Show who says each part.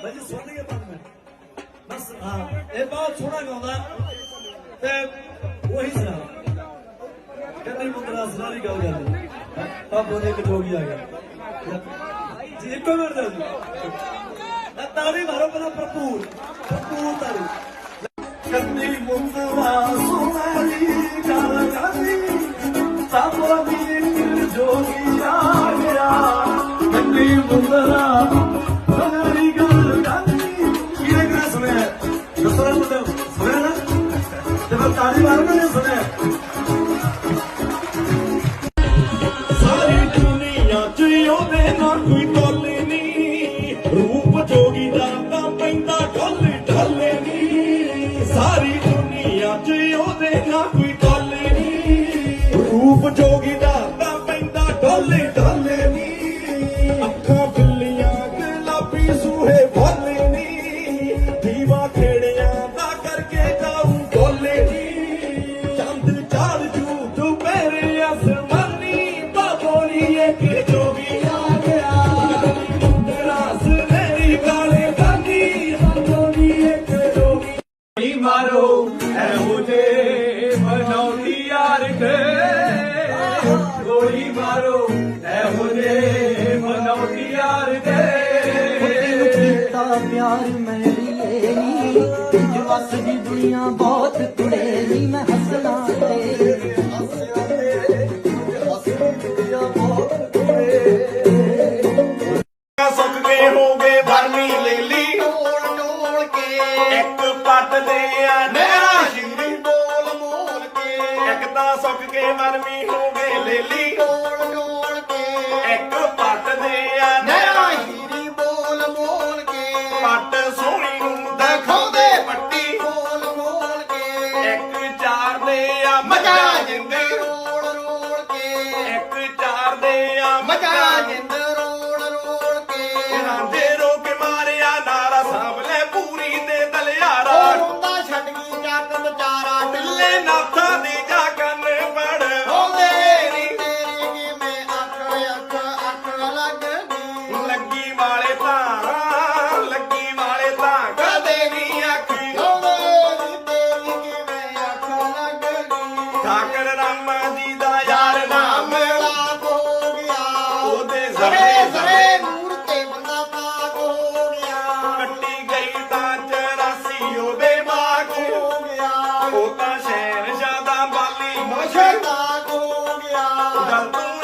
Speaker 1: भाई सुन के 5 मिनट बस। हाँ ये बहुत सोहना गाउंदा ते वही सुना कन्नी मुंदरा सारी गल करदी बाबू ने एक जोगी आ गया जी। एक मिनट दे जी ताड़ी मारो पहला भरपूर भरपूर ताड़ी। कन्नी मुंदरा सोहनी गल करदी बाबू ने एक जोगी आ गया। कन्नी मुंदरा सारी दुनिया च ना कोई टोले नी रूप जोगी दा पैंदा ढोले ढोले नी। सारी दुनिया च ना कोई टोले नी रूप जोगी दा पैंदा ढोले ढोले नी। अखां बिल्लियां गुलाबी सूहे भोले नी दीवा खेड़िया दा करके गाऊं ढोले नी। चंद चार जू दोपहरे आसमानी बाबोली एक जोगी आ गया। रास मेरी गाले गानी बाबोली एक जोगी मारो है मुझे मनौती यार के गोली मारो है मुझे मनौती यार के।
Speaker 2: प्यार मेरी नी वस दी दुनिया बहुत तुड़े नी मैं हसना
Speaker 1: सुख के हो गए भरमी ले ली टोल के एक पट दे नया शिंदी बोल मोल के। एक ता सुख के भरमी हो गए ले ली टोल के एक पट दे नया हीरी बोल मोल के। पट सोहनी नूं दिखाउंदे पट्टी बोल मोल के। एक चार दे मजा जिंदे रोल रोल के। एक चार दे मजा जिंदे ठाकर रामा जी दा यार नाम लाभ हो गया। ओदे जरे जरे नूर ते बंदा पाक हो गया। कट्टी गई तां 84 ओदे बाग हो गया। ओ तां शहर ज्यादा बाली मोशे ताक हो गया। गल तू